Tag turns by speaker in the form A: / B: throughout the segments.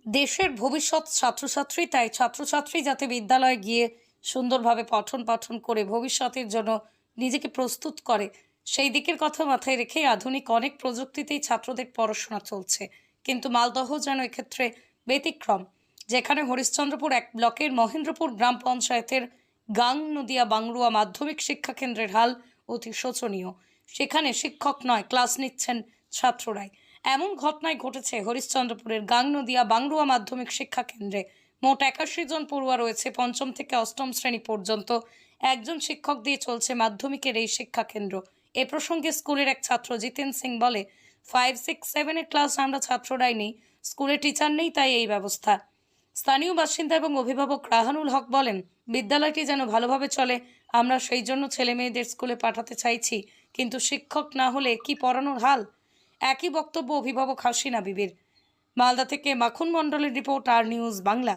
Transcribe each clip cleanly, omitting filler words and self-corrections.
A: দেশের ভবিষ্যৎ ছাত্রছাত্রী, তাই ছাত্রছাত্রী যাতে বিদ্যালয়ে গিয়ে সুন্দরভাবে পঠন পাঠন করে ভবিষ্যতের জন্য নিজেকে প্রস্তুত করে, সেই দিকের কথা মাথায় রেখে আধুনিক অনেক প্রযুক্তিতেই ছাত্রদের পড়াশোনা চলছে। কিন্তু মালদহ যেন এক্ষেত্রে ব্যতিক্রম, যেখানে হরিশ্চন্দ্রপুর এক ব্লকের মহেন্দ্রপুর গ্রাম পঞ্চায়েতের গাং নদিয়া বাংরুয়া মাধ্যমিক শিক্ষা কেন্দ্রের হাল অতি শোচনীয়। সেখানে শিক্ষক নয়, ক্লাস নিচ্ছেন ছাত্ররাই। এমন ঘটনায় ঘটেছে হরিশ্চন্দ্রপুরের গাং নদিয়া বাংরুয়া মাধ্যমিক শিক্ষা কেন্দ্রে। মোট 81 জন পড়ুয়া রয়েছে। পঞ্চম থেকে অষ্টম শ্রেণী পর্যন্ত একজন শিক্ষক দিয়ে চলছে মাধ্যমিকের এই শিক্ষা কেন্দ্র। এ প্রসঙ্গে স্কুলের এক ছাত্র জিতেন সিং বলে, 5, 6, 7 এর ক্লাস আমরা ছাত্ররাই নেই, স্কুলে টিচার নেই, তাই এই ব্যবস্থা। স্থানীয় বাসিন্দা এবং অভিভাবক রাহানুল হক বলেন, বিদ্যালয়টি যেন ভালোভাবে চলে, আমরা সেই জন্য ছেলে মেয়েদের স্কুলে পাঠাতে চাইছি, কিন্তু শিক্ষক না হলে কি পড়ানোর হাল। একই বক্তব্য অভিভাবক হাসিনা বিবির। মালদা থেকে মাখন মণ্ডলের রিপোর্ট, আর নিউজ বাংলা।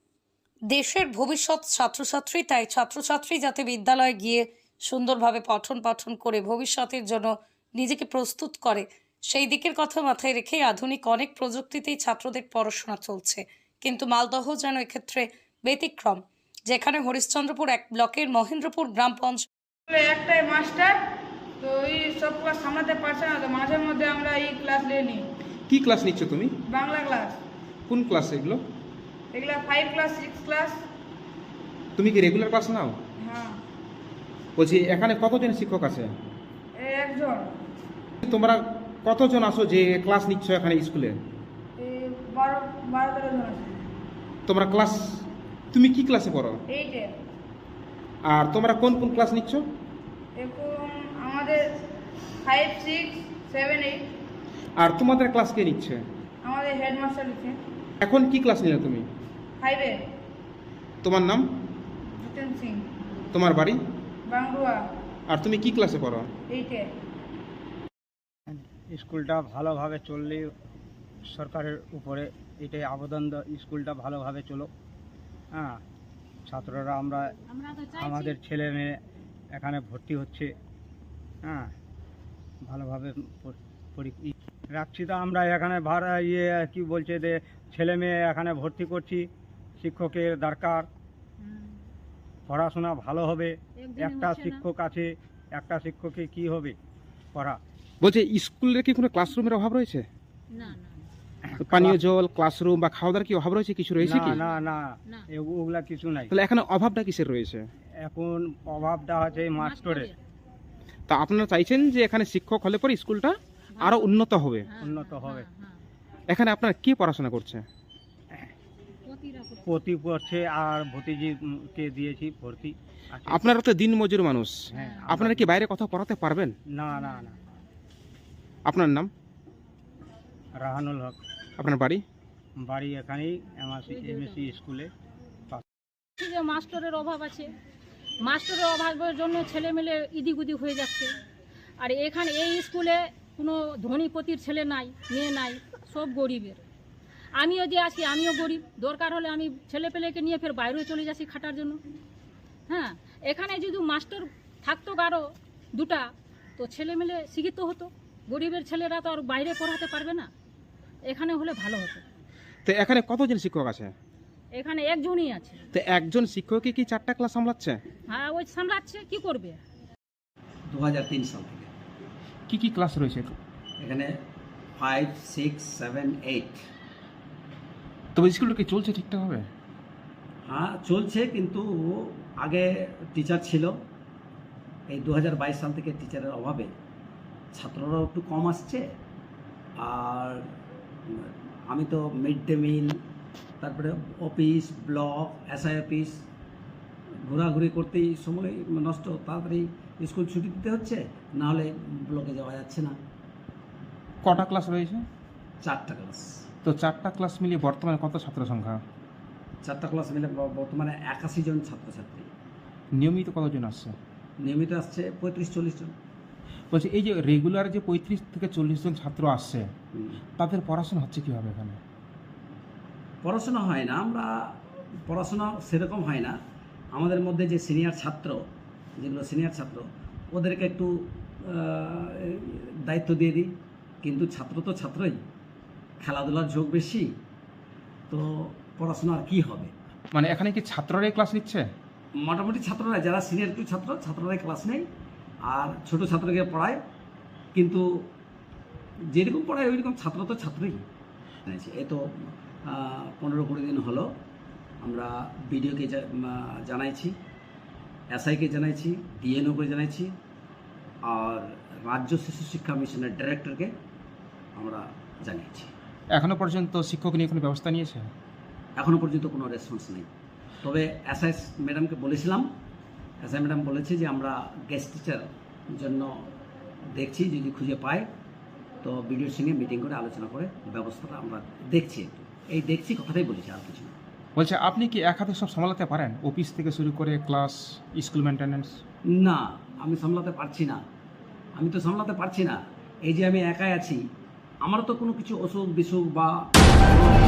A: দেশের ভবিষ্যৎ ছাত্রছাত্রী, তাই ছাত্রছাত্রী যাতে বিদ্যালয়ে গিয়ে সুন্দরভাবে পঠন পাঠন করে ভবিষ্যতের জন্য নিজেকে প্রস্তুত করে, সেই দিকের কথা মাথায় রেখে আধুনিক অনেক প্রযুক্তিতেই ছাত্রদের পড়াশোনা চলছে। কিন্তু মালদহ যেন এক্ষেত্রে ব্যতিক্রম, যেখানে হরিশ্চন্দ্রপুর এক ব্লকের মহেন্দ্রপুর গ্রাম পঞ্চায়েত
B: একটাই মাস্টার, তো এই সব ক্লাস সামলাতে পারছে না, তো মাঝে মধ্যে আমরা এই ক্লাস নিয়ে নিই।
C: কি ক্লাস নিচ্ছ তুমি?
B: বাংলা ক্লাস।
C: কোন ক্লাস এগুলো?
B: এগুলা 5 ক্লাস 6 ক্লাস।
C: তুমি কি রেগুলার ক্লাস নাও?
B: হ্যাঁ।
C: বলছি এখানে কতজন শিক্ষক আছে?
B: এই একজন।
C: তোমরা কতজন আসো যে ক্লাস নিচ্ছ এখানে স্কুলে?
B: এই 12-13 জন আছে।
C: তোমরা ক্লাস, তুমি কি ক্লাসে পড়ো?
B: 8 এ।
C: আর তোমরা কোন কোন ক্লাস নিচ্ছ?
B: এখন আমাদের 5, 6, 7, 8।
C: আর তোমাদের ক্লাস কে নিচ্ছে?
B: আমাদের হেডমাস্টার লিখে।
C: এখন কি ক্লাস নিলে তুমি?
B: 5 এ।
C: তোমার নাম?
B: জিতেন সিং।
C: তোমার বাড়ি?
B: বাংরুয়া।
C: আর তুমি কি ক্লাসে পড়ো?
B: 8 এ।
D: স্কুলটা ভালোভাবে চললে সরকারের উপরে এটাই আবেদন, স্কুলটা ভালোভাবে চলো। হ্যাঁ, ছাত্ররা আমরা আমাদের ছেলে মেয়ে এখানে ভর্তি হচ্ছে। হ্যাঁ, ভালোভাবে রাখছি। তো আমরা এখানে ভাড়া কি বলছে যে ছেলে মেয়ে এখানে ভর্তি করছি, শিক্ষকের দরকার, পড়াশোনা ভালো হবে। একটা শিক্ষক আছে, একটা শিক্ষকে কি হবে পড়া।
C: বলছে স্কুলে কি কোনো ক্লাসরুমের অভাব রয়েছে?
E: না না
C: পানীয় জল, ক্লাসরুম বা খাওয়া দাওয়ার কি অভাব রয়েছে? কিছু রয়েছে কি?
D: না না
E: না।
D: ওগুলা কিছু নাই।
C: তাহলে এখানে অভাবটা কিসের রয়েছে?
D: এখন অভাবটা আছে মাস্টরের।
C: তা আপনারা চাইছেন যে এখানে শিক্ষক হলে পরে স্কুলটা আরো উন্নত হবে?
D: উন্নত হবে।
C: এখানে আপনারা কি পড়াশোনা করছে?
D: প্রতি করছে আর ভতিজিকে দিয়েছি ভর্তি আছে।
C: আপনারা তো দিন মজুর মানুষ,
D: হ্যাঁ,
C: আপনারা কি বাইরে কথা পড়াতে পারবেন?
D: না না না।
C: আপনার নাম?
D: রাহানুল হক।
C: আপনার বাড়ি?
D: বাড়ি এখানেই এমএসসি স্কুলে।
E: যে মাস্টারের অভাব আছে, মাস্টারের অভাবের জন্য ছেলেমেলে ইদিগুদি হয়ে যাচ্ছে। আর এখানে এই স্কুলে কোনো ধনীপতির ছেলে নাই, মেয়ে নাই, সব গরিবের। আমিও যে আছি, আমিও গরিব। দরকার হলে আমি ছেলে পেলেকে নিয়ে ফের বাইরেও চলে যাচ্ছি খাটার জন্য। হ্যাঁ, এখানে যদি মাস্টার থাকতো আরও দুটা, তো ছেলেমেলে শিক্ষিত হতো। গরিবের ছেলেরা তো আর বাইরে পড়াতে পারবে না, এখানে হলে ভালো হতো।
C: তো এখানে কতজন শিক্ষক আছে?
E: এখানে একজনই আছে।
C: তো একজন শিক্ষকই কি 4টা ক্লাস সামলাচ্ছে?
E: হ্যাঁ, ওই সামলাচ্ছে, কি করবে।
F: 2003 সাল থেকে
C: কি কি ক্লাস রয়েছে
F: এখানে 5, 6, 7, 8।
C: তবে স্কুলটা কি চলছে ঠিকঠাকভাবে?
F: হ্যাঁ চলছে, কিন্তু আগে টিচার ছিল। এই 2022 সাল থেকে টিচারের অভাবে ছাত্ররাও একটু কম আসছে। আর আমি তো মিড ডে মিল, তারপরে অফিস, ব্লক, এসআই অফিস ঘোরাঘুরি করতেই সময় নষ্ট। তাড়াতাড়ি স্কুল ছুটি দিতে হচ্ছে, নাহলে ব্লকে যাওয়া যাচ্ছে না।
C: কটা ক্লাস রয়েছে?
F: 4টা ক্লাস।
C: তো 4টা ক্লাস মিলিয়ে বর্তমানে কত ছাত্র সংখ্যা?
F: 4টা ক্লাস মিলে বর্তমানে 81 জন ছাত্রছাত্রী।
C: নিয়মিত কতজন আসছে?
F: নিয়মিত আসছে 35-40 জন।
C: বলছি এই যে রেগুলার যে 35 থেকে 40 জন ছাত্র আসছে,
F: হুম।
C: তাদের পড়াশোনা হচ্ছে কীভাবে এখানে?
F: পড়াশোনা হয় না, আমরা পড়াশোনা সেরকম হয় না। আমাদের মধ্যে যে সিনিয়র ছাত্র, যেগুলো সিনিয়র ছাত্র, ওদেরকে একটু দায়িত্ব দিয়ে দিই। কিন্তু ছাত্র তো ছাত্রই, খেলাধুলার ঝোঁক বেশি। তো পড়াশোনা আর কী হবে।
C: মানে এখানে কি ছাত্ররাই ক্লাস নিচ্ছে?
F: মোটামুটি ছাত্ররা যারা সিনিয়র একটু ছাত্ররাই ক্লাস নেয়, আর ছোট ছাত্রকে পড়ায়, কিন্তু যেরকম পড়ায় ওইরকম ছাত্র তো ছাত্রই। এই তো 15-20 দিন হলো আমরা বিডিওকে জানাইছি, এসআইকে জানাইছি, ডিএনওকে জানাইছি, আর রাজ্য শিশু শিক্ষা মিশনের ডাইরেক্টরকে আমরা জানিয়েছি।
C: এখনো পর্যন্ত শিক্ষক নিয়ে কোনো ব্যবস্থা নিয়েছে?
F: এখনও পর্যন্ত কোনো রেসপন্স নেই। তবে এসআই ম্যাডামকে বলেছিলাম, এসআই ম্যাডাম বলেছে যে আমরা গেস্ট টিচার জন্য দেখছি, যদি খুঁজে পাই তো বিডিওর সঙ্গে মিটিং করে আলোচনা করে ব্যবস্থাটা আমরা দেখছি। এই দেখছি কথাটাই বলেছি, আর কিছু না।
C: বলছে আপনি কি এক হাতে সব সামলাতে পারেন, অফিস থেকে শুরু করে ক্লাস, স্কুল মেনটেন্যান্স?
F: না, আমি সামলাতে পারছি না। আমি তো সামলাতে পারছি না। এই যে আমি একাই আছি, আমার তো কোনো কিছু অসুখ বিসুখ বা